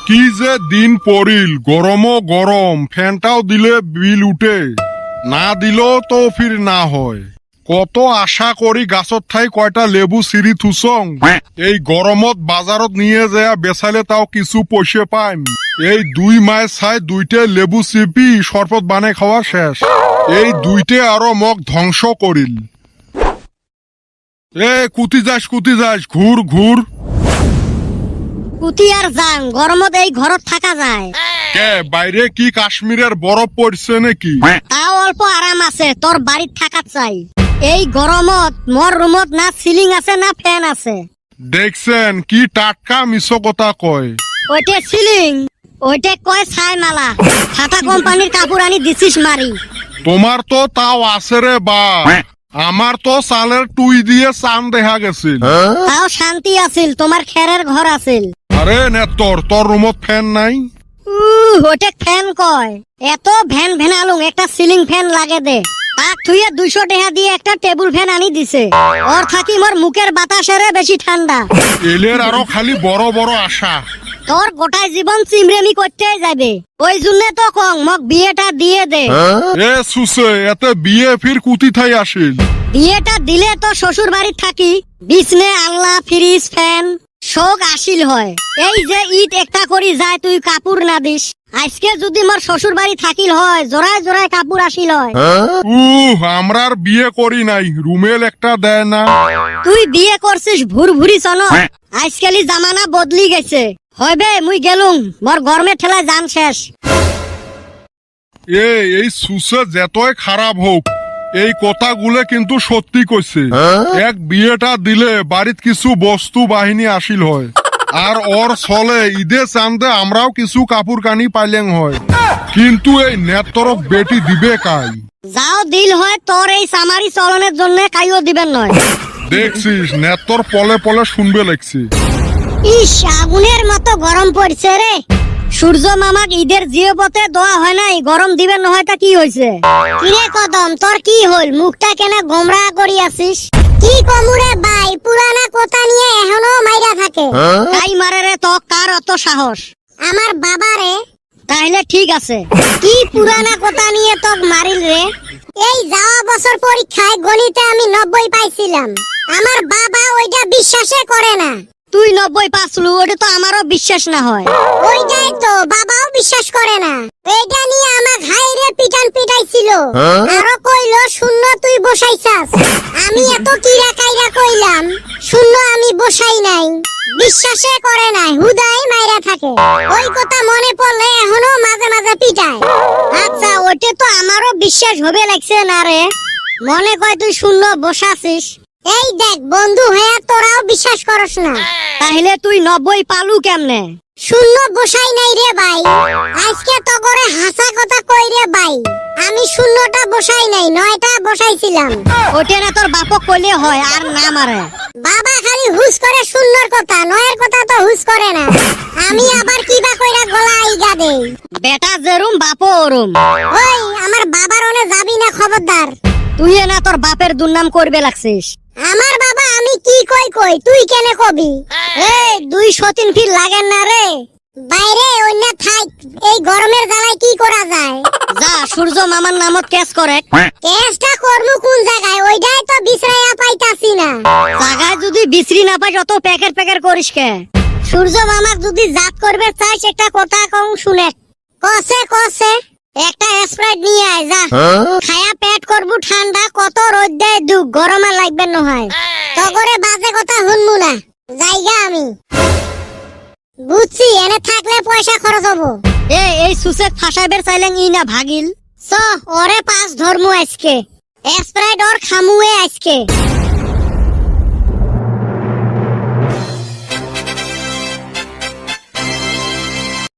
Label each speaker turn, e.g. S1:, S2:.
S1: কি যে দিন পড়িল, গরমও গরম, ফ্যানটাও দিলে বিল উঠে, না দিলেও তো ফির না হয়। কত আশা করি গাছত ঠাই কয়টা লেবু সিঁড়ি থুসং, এই গরমত বাজারত নিয়ে যায় বেচালে তাও কিছু পয়সা পাইম। এই 2 মাস ছাই 2টে লেবু চিপি শরবত বানাই খাওয়া শেষ। এই 2টে আরো মগ ধ্বংস করিল। কুতি যাস ঘুর ঘুর।
S2: কুতি আর যাং, গরমত এই ঘরত থাকা যায়।
S1: কে বাইরে কি কাশ্মীরের বরফ পড়ছে নাকি?
S2: তাও অল্প আরাম আছে, তোর বাড়িত থাকা চাই। এই গরমত মোর রুমত না সিলিং আছে না ফ্যান আছে।
S1: দেখছেন কি টাটকা মিছো কথা কয়।
S2: ওইটে সিলিং, ওইটে কয় ছাই মালা। টাটা কোম্পানির কাপড় আনি দিছিস মারি।
S1: তোমার তো তাও আছে রে বা, আমার তো চালের টুই দিয়ে চান দেখা গেছিল।
S2: তাও শান্তি আছিল, তোমার খেরের ঘর আছিল।
S1: আরে নেতর, তোর রুমত ফ্যান নাই?
S2: ওইটে ফ্যান কয়। এত ভ্যান ভ্যানালুং, একটা সিলিং ফ্যান লাগে দে। তাক থুয়ে 200 টাকা দিয়ে একটা টেবিল ফ্যান আনি দিছে। ওর থাকি মোর মুখের বাতাসেরে বেশি ঠান্ডা।
S1: এলের আরো খালি বড় বড় আশা।
S2: তোর গোটাই জীবন চিমরেমি করতেই যাবে। ওই জন্য তো কং মক বিয়েটা দিয়ে দে।
S1: এ সুসে, এতে বিয়ে ফির কুতি থাই আসিল।
S2: বিয়েটা দিলে তো শ্বশুর বাড়ি থাকি বিছনে আল্লাহ ফ্রিজ ফ্যান শোক আসিল হয়। এই যে ঈদ একটা করি যায় তুই কাপড় না দিস। আজকে যদি মোর শ্বশুর বাড়ি থাকিল হয়, জোড়ায় জোড়ায় কাপড় আসিল হয়।
S1: আমরার বিয়ে করি নাই, রুমেল একটা দেয় না।
S2: তুই বিয়ে করছিস ভুরভুরি চন। আজকালি জামানা বদলি গেছে। হইবে মুই গেলুম, মোর গরমে ঠেলায় জান শেষ।
S1: এই সুসে যতই খারাপ হোক, এই কথাগুলো কিন্তু সত্যি কইছে। এক বিয়েটা দিলে বাড়িত কিছু বস্তু বাহিনী আসিল হয়, আর ওর চলে ঈদে চান্দে আমরাও কিছু কাপড় কানি পাইলেন হয়। কিন্তু এই নেতরক বেটি দিবে কাই?
S2: যাও দিল হয়, তোর এই সামারি চলনের জন্য কাইও দিবেন নয়।
S1: দেখছিস নেতর পলে পলে শুনবে লাগছে।
S2: ইস, আগুনের মতো গরম পড়ছে রে। সূর্য মামাক ঈদের জিওপথে দোয়া হয় নাই, গরম দিবেন নহয় তা কি হইছে? কিরে কদম, তোর কি হল? মুখটা কেন গোমরা করি আছিস? কি কমুরে বাই, পুরানা কথা নিয়ে এখনো মাইরা থাকে। তাই মারে রে, তো কার অত সাহস? আমার বাবারে। তাহলে ঠিক আছে, কি পুরানা কথা নিয়ে তোক মারিল রে? এই যাওয়া বছর পরীক্ষায় গণিতে আমি 90 পাইছিলাম। আমার বাবা ওইটা বিশ্বাসে করে না। তুই 90 পাসলু, ওটা তো আমারও বিশ্বাস না হয়। ওইটাই তো, বাবাও বিশ্বাস করে না। এইটা নিয়ে আমার ঘাইরে পিটান পিটাইছিল। আরো কইলো শূন্য তুই বসাইছাস। আমি এত কিরা কাইরা কইলাম শূন্য আমি বসাই নাই। বিশ্বাসে করে নাই, হুদাই মাইরা থাকে। ওই কথা মনে পড়লে এখনো মাঝে মাঝে পিটায়। আচ্ছা, ওইটা তো আমারও বিশ্বাস হবে লাগছে না রে। মনে কয় তুই শূন্য বসাছিস। এই দেখ বন্ধু হয়ে তোরাও বিশ্বাস করস না, তাহলে তুই 90 পালু কেমনে? শূন্য বসাই নাই রে ভাই। আজকে তো করে হাসা কথা কই রে ভাই, আমি শূন্যটা বসাই নাই, 9টা বসাইছিলাম। ওটা না তোর বাপক কইলে হয়, আর না মারে। বাবা খালি হুস করে শূন্যর কথা, 9এর কথা তো হুস করে না। আমি আবার কিবা কইরা গলা আইগা দেই। বেটা যেরুম বাপও ওরুম। ওই আমার বাবার ওনে যাবি না, খবরদার। তুই না তোর বাপের দুর্নাম করবে লাগছিস। আমার বাবা আমি কি কই তুই কেনে কবি? এই 203 ফিট লাগেন না রে বাইরে, অন্য থাক। এই গরমের জ্বালায় কি করা যায়? যা সূর্য মামার নামত কেস করে। কেসটা করমু কোন জায়গায়? ওইটাই তো বিছরাইয়া পাইতাছি না। জায়গায় যদি বিছরি না পাই অত প্যাকেট করিস কে? সূর্য মামাক যদি জাত করবে চাইস, একটা কথা কম শুনে। কসে একটা স্প্রাইট নিয়ে আয় যা। খায়া পেট করবু ঠান্ডা, কত রোদ দেয় দুঃখ, গরমে লাগবে নহয়। তো করে বাজে কথা শুনবো না, জায়গা আমি বুঝছি। এনে থাকলে পয়সা খরচ হবো। এই সুসেক ফাঁসাইবের চাইলেন ই না ভাগিল। ওরে পাঁচ ধর্ম আজকে, স্প্রাইট ওর খামুয়ে আজকে।